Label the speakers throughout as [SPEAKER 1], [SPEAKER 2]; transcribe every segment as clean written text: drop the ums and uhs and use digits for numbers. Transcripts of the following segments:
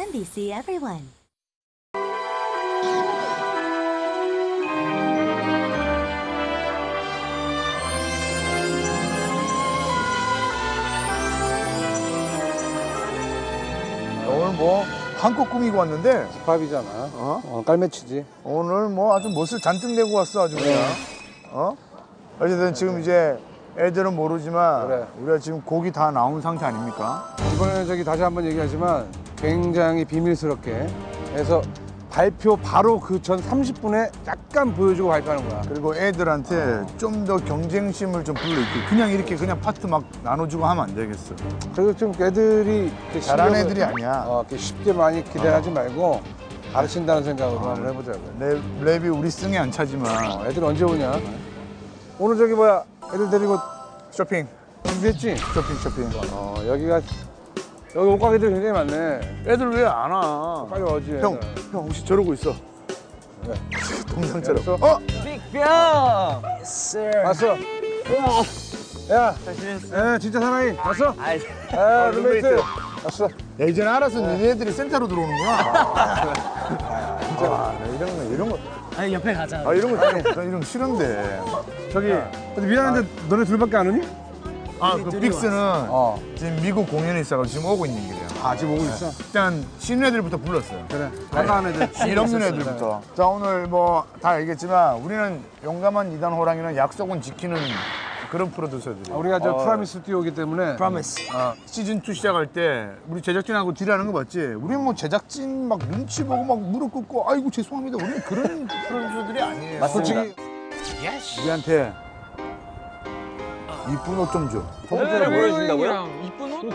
[SPEAKER 1] NBC Everyone.
[SPEAKER 2] 오늘 뭐 한껏 꾸미고 왔는데
[SPEAKER 3] 집합이잖아. 깔매치지.
[SPEAKER 2] 오늘 뭐 아주 멋을 잔뜩 내고 왔어 아주 그냥. 어쨌든 지금 이제 애들은 모르지만
[SPEAKER 3] 그래.
[SPEAKER 2] 우리가 지금 곡이 다 나온 상태 아닙니까?
[SPEAKER 3] 이번에 저기 다시 한번 얘기하지만 굉장히 비밀스럽게 해서 발표 바로 그 전 30분에 약간 보여주고 발표하는 거야.
[SPEAKER 2] 그리고 애들한테 좀 더 경쟁심을 좀 불러일으키고 그냥 이렇게 그냥 파트 막 나눠주고 하면 안 되겠어.
[SPEAKER 3] 그리고 좀 애들이 이렇게
[SPEAKER 2] 잘하는
[SPEAKER 3] 실력을-
[SPEAKER 2] 애들이 아니야.
[SPEAKER 3] 이렇게 쉽게 많이 기대하지 말고 가르친다는 생각으로 한번 해보자고요.
[SPEAKER 2] 랩이 우리 승에 안 차지만
[SPEAKER 3] 애들 언제 오냐? 오늘 저기 뭐야 애들 데리고
[SPEAKER 2] 쇼핑,
[SPEAKER 3] 준비했지?
[SPEAKER 2] 쇼핑.
[SPEAKER 3] 여기가 여기 옷가게들 굉장히 많네.
[SPEAKER 2] 애들 왜 안 와?
[SPEAKER 3] 빨리 오지.
[SPEAKER 2] 형 혹시 저러고 있어?
[SPEAKER 3] 네.
[SPEAKER 2] 동상처럼.
[SPEAKER 3] 알았어?
[SPEAKER 4] 빅병!
[SPEAKER 3] 왔어. 야, 예, 진짜 사나이. 왔어?
[SPEAKER 4] 아이,
[SPEAKER 3] 아, 룸메이트.
[SPEAKER 2] 룸메이트.
[SPEAKER 3] 왔어.
[SPEAKER 2] 야, 이제는 알아서 니네들이 센터로 들어오는구나. 진짜. 이런 거.
[SPEAKER 4] 아니 옆에 가자.
[SPEAKER 2] 이런 거 싫은데.
[SPEAKER 3] 저기, 근데 미안한데 너네 둘밖에 안 오니?
[SPEAKER 2] 그 빅스는 지금 미국 공연이 있어가지고 지금 오고 있는 길이야.
[SPEAKER 3] 지금 오고 있어?
[SPEAKER 2] 일단 신인 애들부터 불렀어요.
[SPEAKER 3] 그래. 반가운 애들.
[SPEAKER 2] 일 없는 애들부터. 자, 오늘 뭐 다 알겠지만 우리는 용감한 이단 호랑이는 약속은 지키는 그런 프로듀서들이에요.
[SPEAKER 3] 우리가 저 프라미스 듀오이기 때문에.
[SPEAKER 4] 프로미스.
[SPEAKER 2] 시즌2 시작할 때 우리 제작진하고 딜하는 거 봤지? 우리는 뭐 제작진 막 눈치 보고 막 무릎 꿇고 아이고 죄송합니다. 우리는 그런 프로듀서들이 아니에요.
[SPEAKER 4] 맞습니다.
[SPEAKER 3] 솔직히
[SPEAKER 2] 우리한테 이쁜 옷 좀 줘.
[SPEAKER 4] 를 보여준다고요? 이쁜 옷?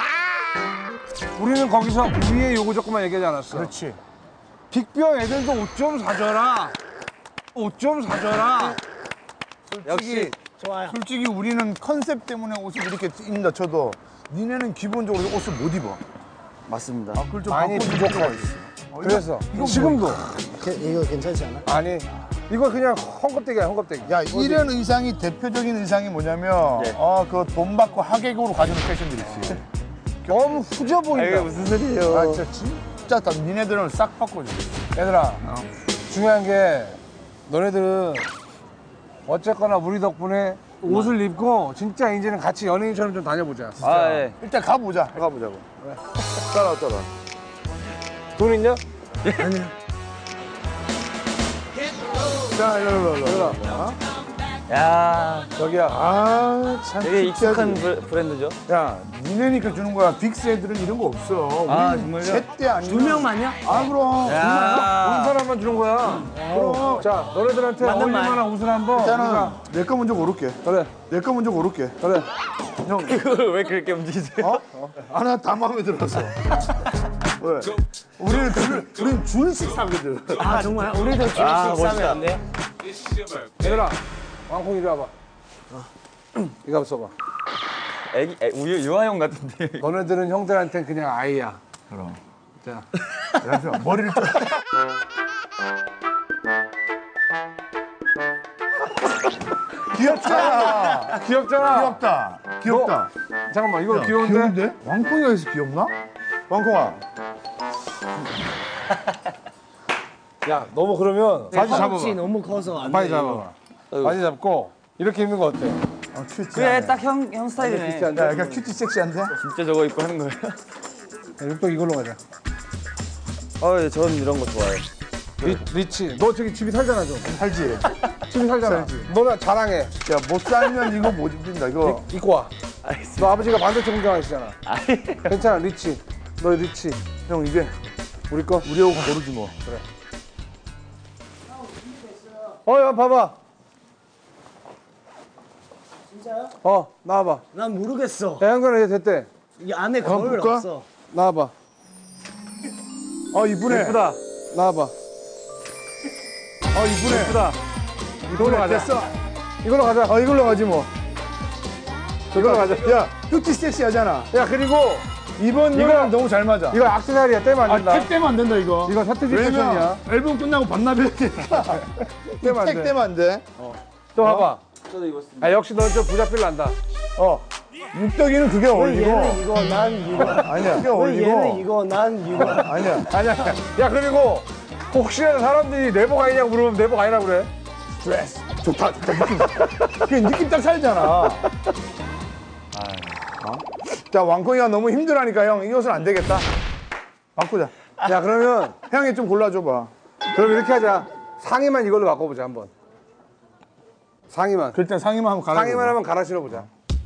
[SPEAKER 3] 우리는 거기서 위에 요거 조금만 얘기하지 않았어.
[SPEAKER 2] 그렇지.
[SPEAKER 3] 빅병 애들도 옷 좀 사줘라. 옷 좀 사줘라.
[SPEAKER 4] 역시 좋아요.
[SPEAKER 2] 솔직히 우리는 컨셉 때문에 옷을 이렇게 입는다 쳐도 니네는 기본적으로 옷을 못 입어.
[SPEAKER 4] 맞습니다.
[SPEAKER 2] 그걸 좀
[SPEAKER 3] 많이
[SPEAKER 2] 바꿔줄
[SPEAKER 3] 부족해.
[SPEAKER 2] 필요가 있어.
[SPEAKER 3] 그래서
[SPEAKER 2] 이거
[SPEAKER 3] 지금도.
[SPEAKER 5] 이거 괜찮지 않아?
[SPEAKER 3] 아니, 이거 그냥 헝겊대기야, 헝겊대기.
[SPEAKER 2] 야, 이런 의상이 대표적인 의상이 뭐냐면
[SPEAKER 4] 네.
[SPEAKER 2] 그 돈 받고 하객으로 가주는 패션들이 있어.
[SPEAKER 3] 너무 후져 보인다.
[SPEAKER 4] 무슨 소리예요?
[SPEAKER 2] 진짜 다 니네들은 싹 바꿔줘.
[SPEAKER 3] 얘들아, 중요한 게 너네들은 어쨌거나 우리 덕분에 옷을 입고 진짜 이제는 같이 연예인처럼 좀 다녀보자.
[SPEAKER 4] 아, 예.
[SPEAKER 2] 일단 가보자고. 따라와.
[SPEAKER 3] 돈 있냐?
[SPEAKER 2] 자, 일로.
[SPEAKER 4] 야,
[SPEAKER 3] 저기야.
[SPEAKER 2] 참.
[SPEAKER 4] 되게 익숙한
[SPEAKER 2] 특이하지.
[SPEAKER 4] 브랜드죠?
[SPEAKER 2] 야, 니네니까 주는 거야. 빅스 애들은 이런 거 없어.
[SPEAKER 4] 아,
[SPEAKER 2] 우리는
[SPEAKER 4] 정말요?
[SPEAKER 2] 제때 아니면.
[SPEAKER 4] 2명만요?
[SPEAKER 2] 그럼.
[SPEAKER 3] 온
[SPEAKER 4] 야,
[SPEAKER 3] 사람만 주는 거야.
[SPEAKER 2] 그럼.
[SPEAKER 3] 자, 너네들한테
[SPEAKER 4] 맞는
[SPEAKER 3] 어울릴
[SPEAKER 4] 말.
[SPEAKER 3] 만한 옷을 한번.
[SPEAKER 2] 일단은
[SPEAKER 3] 우리가-
[SPEAKER 2] 내 거 먼저 고를게.
[SPEAKER 3] 그래,
[SPEAKER 2] 내 거 먼저 고를게.
[SPEAKER 3] 그래.
[SPEAKER 4] 이걸 왜 그렇게 움직이세요?
[SPEAKER 2] 하나 다 마음에 들어서. 왜? 우리는 줄씩 사거든.
[SPEAKER 4] 아, 정말? 우리도 줄씩 싸면 안 돼요?
[SPEAKER 3] 얘들아, 왕콩 이리 와봐. 이거 한번 써봐.
[SPEAKER 4] 유아용 같은데.
[SPEAKER 3] 너네들은 형들한테는 그냥 아이야.
[SPEAKER 2] 그럼.
[SPEAKER 3] 자,
[SPEAKER 2] 잠시만, 머리를 좀. 귀엽잖아.
[SPEAKER 3] 귀엽잖아.
[SPEAKER 2] 귀엽다.
[SPEAKER 3] 잠깐만, 이거 귀여운데?
[SPEAKER 2] 귀여운데? 왕콩이가 해서 귀엽나? 왕콩아.
[SPEAKER 3] 야, 너무 그러면 바지 잡아봐.
[SPEAKER 4] 너무 커서 안
[SPEAKER 3] 바지 잡아봐. 바지 잡고 이렇게 입는 거 어때?
[SPEAKER 2] 큐티.
[SPEAKER 4] 그래, 딱 형 스타일이네.
[SPEAKER 3] 비슷한데?
[SPEAKER 2] 야, 약간 큐티 섹시한데?
[SPEAKER 4] 진짜 저거 입고 하는 거예요?
[SPEAKER 3] 또 이걸로 가자.
[SPEAKER 4] 예, 전 이런 거 좋아해요.
[SPEAKER 3] 리치. 너 저기 집이 살잖아, 좀.
[SPEAKER 2] 살지?
[SPEAKER 3] 집이 살잖아.
[SPEAKER 2] 살지.
[SPEAKER 3] 너나 자랑해.
[SPEAKER 2] 야, 못 살면 이거 못 입는다, 이거.
[SPEAKER 3] 입고 와.
[SPEAKER 4] 알겠습니다.
[SPEAKER 3] 너 아버지가 반대쪽 운전하시잖아.
[SPEAKER 4] 아니,
[SPEAKER 3] 괜찮아, 리치. 너 리치.
[SPEAKER 2] 형, 이게
[SPEAKER 3] 우리 거?
[SPEAKER 2] 우리 옷 고르지 뭐.
[SPEAKER 3] 야, 봐봐. 진짜요? 나와봐.
[SPEAKER 4] 난 모르겠어.
[SPEAKER 3] 야, 형관아, 얘 됐대.
[SPEAKER 4] 이 안에
[SPEAKER 2] 한번
[SPEAKER 4] 거울
[SPEAKER 2] 볼까?
[SPEAKER 4] 없어.
[SPEAKER 3] 나와봐.
[SPEAKER 2] 이쁘네.
[SPEAKER 3] 예쁘다. 나와봐.
[SPEAKER 2] 이쁘네.
[SPEAKER 3] 예쁘다. 이걸로 가자.
[SPEAKER 2] 됐어.
[SPEAKER 3] 이걸로 가자.
[SPEAKER 2] 이걸로 가지 뭐.
[SPEAKER 3] 이걸로 가자.
[SPEAKER 2] 야, 큐티 섹시하잖아.
[SPEAKER 3] 야, 그리고
[SPEAKER 2] 이번 노래랑 너무 잘 맞아.
[SPEAKER 3] 이거 악세사리야. 떼면 안 된다.
[SPEAKER 2] 택 떼면 안 된다, 이거.
[SPEAKER 3] 이거 사태지 패션이야.
[SPEAKER 2] 왜냐면 앨범 끝나고 반납해야 돼.
[SPEAKER 3] 떼면 안
[SPEAKER 2] 택
[SPEAKER 3] 돼.
[SPEAKER 2] 떼면 안 돼.
[SPEAKER 3] 또 봐봐.
[SPEAKER 4] 저도 입었습니다.
[SPEAKER 3] 역시 너 좀 부자필 난다.
[SPEAKER 2] 육덕이는 그게
[SPEAKER 5] 왜
[SPEAKER 2] 어울리고.
[SPEAKER 5] 얘는 이거 난 이거.
[SPEAKER 2] 아니야. 그게
[SPEAKER 5] 왜
[SPEAKER 2] 어울리고.
[SPEAKER 5] 얘는 이거 난 이거.
[SPEAKER 2] 아니야.
[SPEAKER 3] 아니야. 야 그리고 혹시나 사람들이 내복 아니냐고 물으면 내복 아니라고 그래.
[SPEAKER 2] 드레스. 좋다. 느낌. 그게 느낌 딱 살잖아. 어? 자, 왕콩이가 너무 힘들하니까 형, 이 옷은 안 되겠다. 바꾸자.
[SPEAKER 3] 야 그러면
[SPEAKER 2] 형이 좀 골라줘봐.
[SPEAKER 3] 그럼 이렇게 하자. 상의만 이걸로 바꿔보자 한번. 상의만.
[SPEAKER 2] 그럴 땐 상의만 한번 갈아.
[SPEAKER 3] 상의만 한번 갈아 신어보자.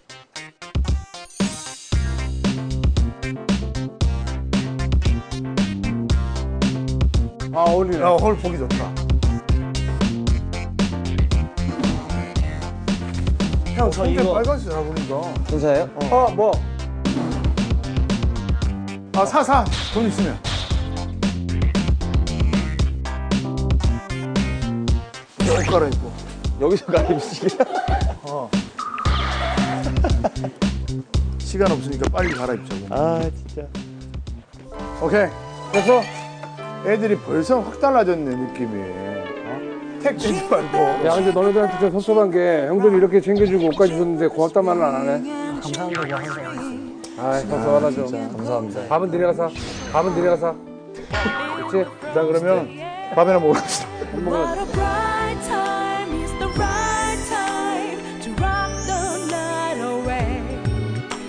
[SPEAKER 3] 아 어울리네.
[SPEAKER 2] 헐 보기 좋다.
[SPEAKER 5] 형 저
[SPEAKER 2] 근데
[SPEAKER 5] 이거.
[SPEAKER 2] 빨간색 잘 보인다.
[SPEAKER 4] 진짜예요?
[SPEAKER 3] 뭐?
[SPEAKER 2] 아, 사. 돈 있으면. 옷 갈아입고.
[SPEAKER 4] 여기서 가입시기.
[SPEAKER 2] 시간 없으니까 빨리 갈아입자고.
[SPEAKER 4] 아 진짜.
[SPEAKER 2] 오케이.
[SPEAKER 3] 됐어?
[SPEAKER 2] 애들이 벌써 확 달라졌네, 느낌이. 어? 택 되지 말고.
[SPEAKER 3] 야 근데 너네들한테 좀 섭섭한 게 형들이 이렇게 챙겨주고 옷까지 줬는데 고맙단 말은 안 하네.
[SPEAKER 5] 감사합니다 항상.
[SPEAKER 3] 아이 섭섭하다 좀.
[SPEAKER 4] 감사합니다.
[SPEAKER 3] 밥은 니네가 사. 밥은 니네가 사. 그치?
[SPEAKER 2] 자, 그러면 밥이나 먹읍시다.
[SPEAKER 3] 밥 먹어야지.